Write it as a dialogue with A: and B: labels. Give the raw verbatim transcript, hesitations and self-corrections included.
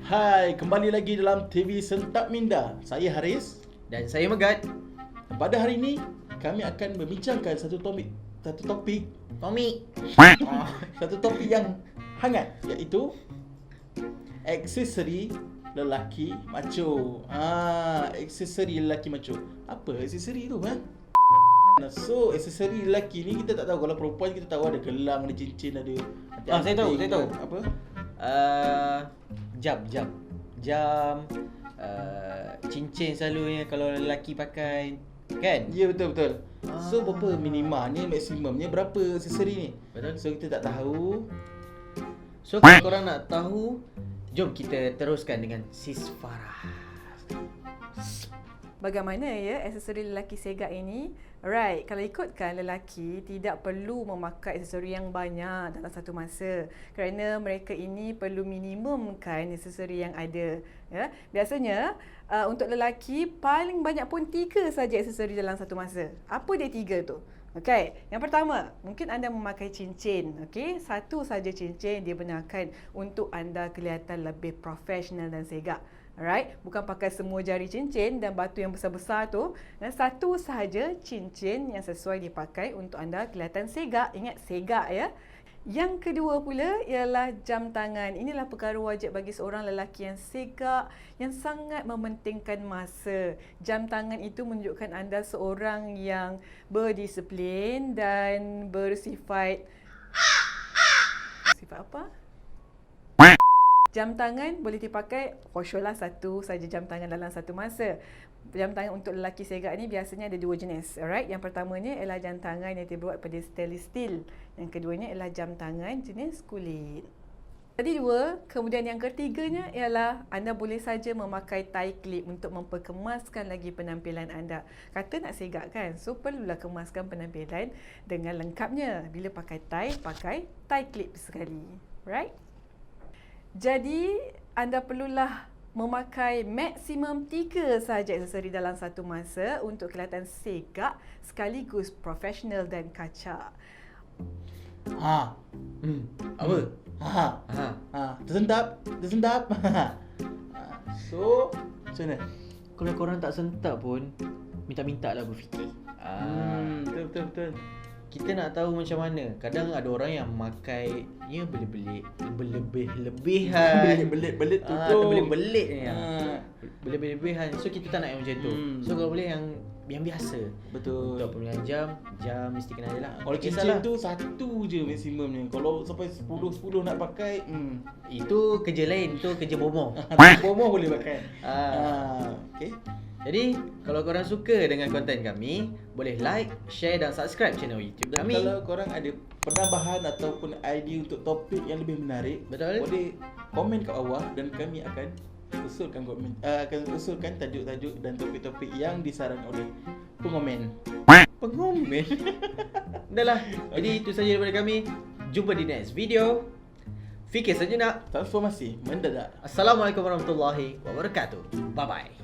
A: Hai, kembali lagi dalam T V Sentap Minda. Saya Haris
B: dan saya Megat.
A: Pada hari ini kami akan membincangkan satu topik satu topik
B: Tommy.
A: satu topik yang hangat, iaitu aksesori lelaki macho. Ah, aksesori lelaki macho. Apa aksesori tu, kan? So, aksesori lelaki ni kita tak tahu. Kalau perempuan kita tahu ada gelang, ada cincin, ada.
B: Ah, saya tahu, saya tahu.
A: Apa?
B: Uh, jam, jam. Jam uh, cincin selalunya kalau lelaki pakai, kan?
A: Ya, betul betul.
B: Ah.
A: So, berapa minima ni, maksimumnya berapa aksesori ni?
B: Betul.
A: So, kita tak tahu.
B: So, kalau korang nak tahu, jom kita teruskan dengan Sis Farah.
C: Bagaimana ya aksesori lelaki segak ini? Alright, kalau ikutkan lelaki tidak perlu memakai aksesori yang banyak dalam satu masa kerana mereka ini perlu minimumkan aksesori yang ada. Ya, biasanya uh, untuk lelaki paling banyak pun tiga saja aksesori dalam satu masa. Apa dia tiga tu? Okey, yang pertama, mungkin anda memakai cincin. Okey, satu saja cincin dia benarkan untuk anda kelihatan lebih profesional dan segak. Alright, bukan pakai semua jari cincin dan batu yang besar-besar tu. Dan satu sahaja cincin yang sesuai dipakai untuk anda kelihatan segak. Ingat, segak ya. Yang kedua pula ialah jam tangan. Inilah perkara wajib bagi seorang lelaki yang segak, yang sangat mementingkan masa. Jam tangan itu menunjukkan anda seorang yang berdisiplin dan bersifat... Sifat apa? Jam tangan boleh dipakai, for sure lah satu saja jam tangan dalam satu masa. Jam tangan untuk lelaki segak ni biasanya ada dua jenis. Alright, yang pertamanya ialah jam tangan yang dibuat pada stainless steel. Yang keduanya ialah jam tangan jenis kulit. Tadi dua, kemudian yang ketiganya ialah anda boleh saja memakai tie clip untuk memperkemaskan lagi penampilan anda. Kata nak segak kan, so perlulah kemaskan penampilan dengan lengkapnya. Bila pakai tie, pakai tie clip sekali. Right? Jadi, anda perlulah memakai maksimum tiga sahaja aksesori dalam satu masa untuk kelihatan segak sekaligus profesional dan kacak.
A: Ha.
B: Hmm. Apa?
A: Ha.
B: Ha.
A: Ha. Tersentap, tersentap. So, macam mana?
B: Kalau korang tak sentap pun, minta-minta lah berfikir.
A: Hmm, betul betul betul.
B: Kita nak tahu macam mana. Kadang ada orang yang memakai ya belit-belit, berlebih-lebihan.
A: Belit-belit tu
B: Ah,
A: tu.
B: terbelit-belit ni.
A: Ah.
B: Berlebih-lebihan. So kita tak nak yang macam tu.
A: Hmm.
B: So kalau boleh yang yang biasa.
A: Betul.
B: Untuk pemilihan jam, jam mesti kena ada lah.
A: Kalau
B: Tak
A: cincin
B: kisahlah.
A: tu satu je maksimumnya. Kalau sampai sepuluh sepuluh nak pakai, hmm.
B: Itu kerja lain, itu kerja bomoh.
A: Bomoh boleh pakai.
B: Ah.
A: Ah, okey.
B: Jadi, kalau korang suka dengan konten kami, boleh like, share dan subscribe channel YouTube
A: Dan
B: kami.
A: kalau korang ada penambahan ataupun idea untuk topik yang lebih menarik,
B: Betul.
A: boleh komen kat bawah dan kami akan usulkan komen, uh, akan usulkan tajuk-tajuk dan topik-topik yang disarankan oleh pengomen.
B: Pengomen. Dah lah. Jadi itu saja daripada kami. Jumpa di next video. Fikir sejenak.
A: Transformasi mendadak.
B: Assalamualaikum warahmatullahi wabarakatuh. Bye bye.